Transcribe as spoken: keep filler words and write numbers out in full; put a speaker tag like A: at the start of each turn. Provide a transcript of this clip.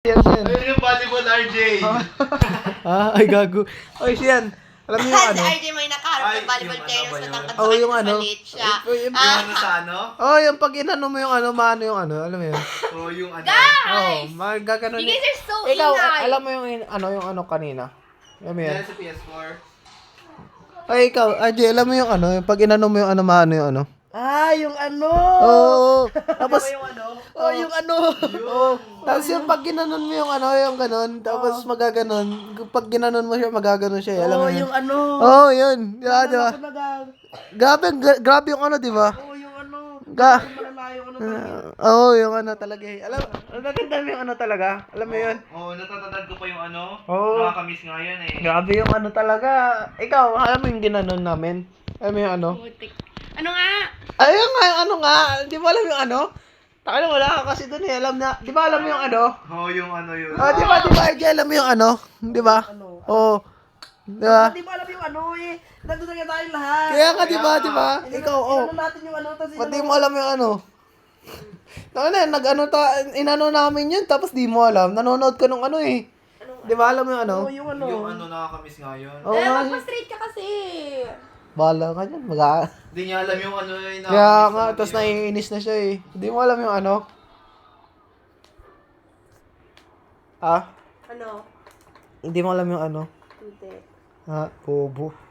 A: Yan, yan.
B: Ayun yung volleyball, R J.
A: Ah, ay gago. Oy, siyan. Alam niyo yung
C: Si
A: ano?
C: R J may nakaharap
B: Ay,
C: ng volleyball
B: yung
C: player
B: ano ba
C: sa
B: yun?
C: tangkad
A: Oh,
C: sa
A: yung
C: kanya,
A: ano?
C: maliit siya.
A: Yung, yung,
C: Ah,
B: Yung ano sa ano?
A: oh, yung pag inano mo yung ano, maano yung ano, alam mo yun?
B: O yung ano?
A: Oh, magagano
C: You
A: ni.
C: guys are so
A: Ikaw,
C: ingay.
A: alam mo yung in- ano, yung ano kanina? Alam mo yun?
B: Yan sa P S four.
A: Ay, ikaw, R J, alam mo yung ano, yung pag inano mo yung ano, maano yung ano?
D: Ah, yung ano?
A: Oo. Tapos,
D: yung ano? Oh, yung ano?
A: oh, tapos yung pag ginanon mo yung ano, yung ganon, tapos magaganon, pag ginanon mo siya, magaganon siya, eh, alam mo
D: Oh,
A: yun?
D: yung ano?
A: Oo, oh, yun. Yeah, di ba?
D: Ako naga-
A: Grabe, gra- grabe yung ano, di ba?
D: Oh, yung ano?
A: Ga-
D: Yung malalayo ano talaga.
A: Oo, oh, yung ano talaga eh. Alam, natandaan mo yung ano talaga? Alam mo yun?
B: Oo, natatandaan ko pa yung ano.
A: Oo.
B: Nakakamiss nga yun eh.
A: Grabe yung ano talaga. Ikaw, alam mo yung ginanon namin? Alam mo yung ano?
C: Putik. Ano nga?
A: Ayun nga, yung ano nga. Di mo alam yung ano? Taka wala ka kasi dun eh. Alam na, di ba alam mo yung ano?
B: Oo, yung ano yun.
A: Oh, di ba, di ba, R J, alam mo yung ano? Di ba?
D: Ano?
A: Oo. Di ba?
D: Hindi mo alam yung ano eh. Nandun na nga tayong lahat.
A: Kaya nga, di ba, di ba? Ikaw, oh.
D: Ano natin yung ano? Tas
A: Ba't di mo alam yung ano? Taka na, nag-ano ta, inano namin yun, tapos di mo alam. Nanonood ka nung ano eh. Di ba alam mo yung ano?
D: Oh, yung ano?
B: Yung ano nakakamiss nga yun.
A: Oo
C: Eh,
A: nga.
C: magpa-straight ka kasi.
A: Bahala ka dyan, mag
B: Hindi niya alam yung ano eh.
A: Kaya
B: nakakamiss
A: nga,
B: talaga
A: tapos
B: yun.
A: naiinis na siya eh. Hindi mo alam yung ano? Ah?
C: Ano?
A: Hindi mo alam yung ano?
C: Hindi.
A: Ah, bobo.